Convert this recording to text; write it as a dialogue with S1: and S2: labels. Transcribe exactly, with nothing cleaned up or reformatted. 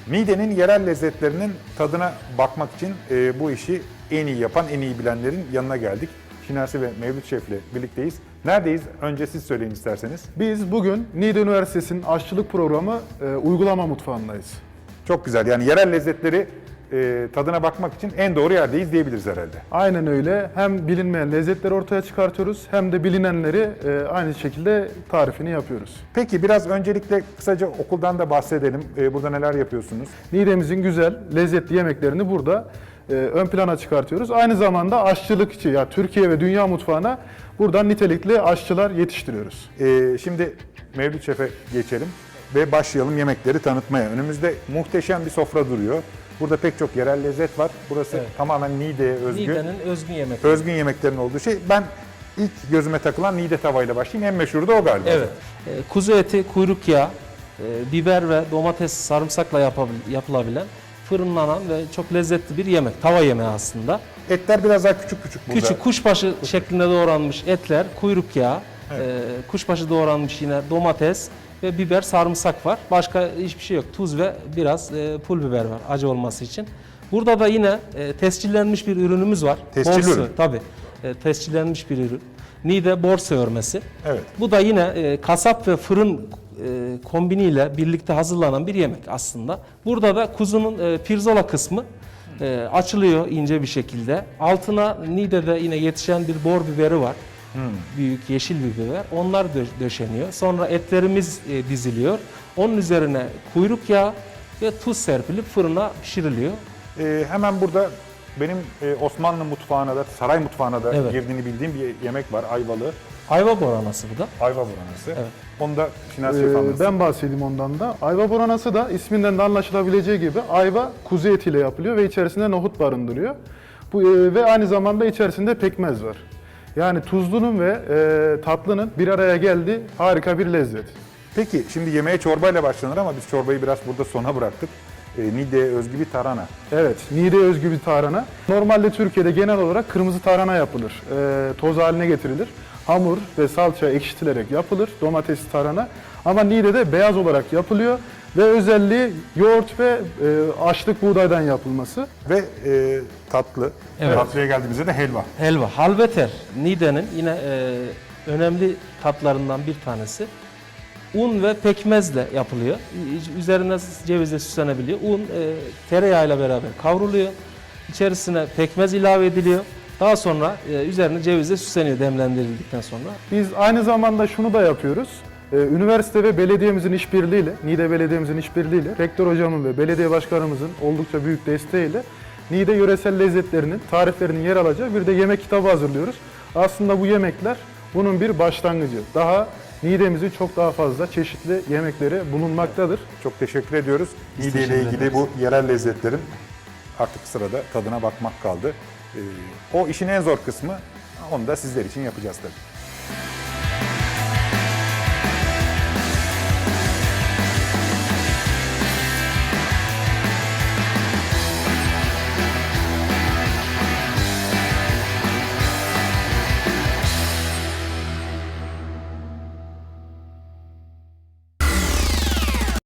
S1: Niğde'nin yerel lezzetlerinin tadına bakmak için e, bu işi en iyi yapan, en iyi bilenlerin yanına geldik. Şinasi ve Mevlüt Şef'le birlikteyiz. Neredeyiz? Önce siz söyleyin isterseniz.
S2: Biz bugün Niğde Üniversitesi'nin aşçılık programı e, uygulama mutfağındayız.
S1: Çok güzel. Yani yerel lezzetleri e, tadına bakmak için en doğru yerdeyiz diyebiliriz herhalde.
S2: Aynen öyle. Hem bilinmeyen lezzetleri ortaya çıkartıyoruz hem de bilinenleri e, aynı şekilde tarifini yapıyoruz.
S1: Peki biraz öncelikle kısaca okuldan da bahsedelim. E, burada neler yapıyorsunuz?
S2: Niğde'mizin güzel, lezzetli yemeklerini burada e, ön plana çıkartıyoruz. Aynı zamanda aşçılıkçı, ya Türkiye ve dünya mutfağına buradan nitelikli aşçılar yetiştiriyoruz.
S1: E, şimdi Mevlüt Şef'e geçelim ve başlayalım yemekleri tanıtmaya. Önümüzde muhteşem bir sofra duruyor. Burada pek çok yerel lezzet var. Burası
S3: Evet.
S1: tamamen Niğde'ye özgü.
S3: Niğde'nin özgün yemekleri.
S1: Özgün yemeklerin olduğu şey. Ben ilk gözüme takılan Niğde tavayla başlayayım. En meşhuru da o galiba.
S3: Evet. E, kuzu eti, kuyruk yağı, e, biber ve domates, sarımsakla yapabil- yapılabilen fırınlanan ve çok lezzetli bir yemek. Tava yemeği aslında.
S1: Etler biraz daha küçük küçük burada.
S3: Küçük kuşbaşı şeklinde doğranmış etler, kuyruk yağı,
S1: Evet.
S3: e, kuşbaşı doğranmış yine domates ve biber, sarımsak var. Başka hiçbir şey yok. Tuz ve biraz e, pul biber var acı olması için. Burada da yine e, tescillenmiş bir ürünümüz var.
S1: Tescilli
S3: Borsa,
S1: ürün.
S3: Tabii. E, tescillenmiş bir ürün. Niğde borsa örmesi.
S1: Evet.
S3: Bu da yine e, kasap ve fırın e, kombiniyle birlikte hazırlanan bir yemek aslında. Burada da kuzunun e, pirzola kısmı e, açılıyor ince bir şekilde. Altına Niğde'de yine yetişen bir bor biberi var.
S1: Hmm.
S3: Büyük yeşil bir biber. Onlar dö- döşeniyor. Sonra etlerimiz e, diziliyor. Onun üzerine kuyruk yağı ve tuz serpilip fırına pişiriliyor.
S1: Ee, hemen burada benim e, Osmanlı mutfağına da, saray mutfağına da
S3: Evet.
S1: girdiğini bildiğim bir yemek var. Ayvalı.
S3: Ayva boranası bu da.
S1: Ayva buranası.
S3: Evet.
S1: Onu da Şinasi
S2: Ee,
S1: Şef anlatsın.
S2: ben bahsedeyim ondan da. Ayva boranası da isminden de anlaşılabileceği gibi ayva kuzu etiyle yapılıyor ve içerisinde nohut barındırıyor. Bu e, ve aynı zamanda içerisinde pekmez var. Yani tuzlunun ve e, tatlının bir araya geldiği harika bir lezzet.
S1: Peki şimdi yemeğe çorbayla başlanır ama biz çorbayı biraz burada sona bıraktık. Ee, Niğde'ye özgü bir tarhana.
S2: Evet, Niğde'ye özgü bir tarhana. Normalde Türkiye'de genel olarak kırmızı tarhana yapılır. E, toz haline getirilir. Hamur ve salça ekşitilerek yapılır domatesli tarhana. Ama Niğde'de beyaz olarak yapılıyor ve özelliği yoğurt ve e, açlık buğdaydan yapılması.
S1: Ve e, tatlı.
S3: Evet.
S1: Tatlıya geldiğimizde de helva.
S3: Helva, halveter. Niğde'nin yine e, önemli tatlarından bir tanesi. Un ve pekmezle yapılıyor. Üzerine cevizle süslenebiliyor. Un e, tereyağıyla beraber kavruluyor. İçerisine pekmez ilave ediliyor. Daha sonra e, üzerine cevizle süsleniyor demlendirildikten sonra.
S2: Biz aynı zamanda şunu da yapıyoruz. Ee, Üniversite ve belediyemizin işbirliğiyle, Niğde Belediye'mizin işbirliğiyle, rektör hocamın ve belediye başkanımızın oldukça büyük desteğiyle Niğde yöresel lezzetlerinin, tariflerinin yer alacağı bir de yemek kitabı hazırlıyoruz. Aslında bu yemekler bunun bir başlangıcı. Daha Niğde'mizin çok daha fazla çeşitli yemekleri bulunmaktadır.
S1: Çok teşekkür ediyoruz.
S3: Biz
S1: Niğde ile
S3: teşekkür
S1: ilgili
S3: ederiz.
S1: bu yerel lezzetlerin artık sırada tadına bakmak kaldı. Ee, o işin en zor kısmı. Onu da sizler için yapacağız tabii.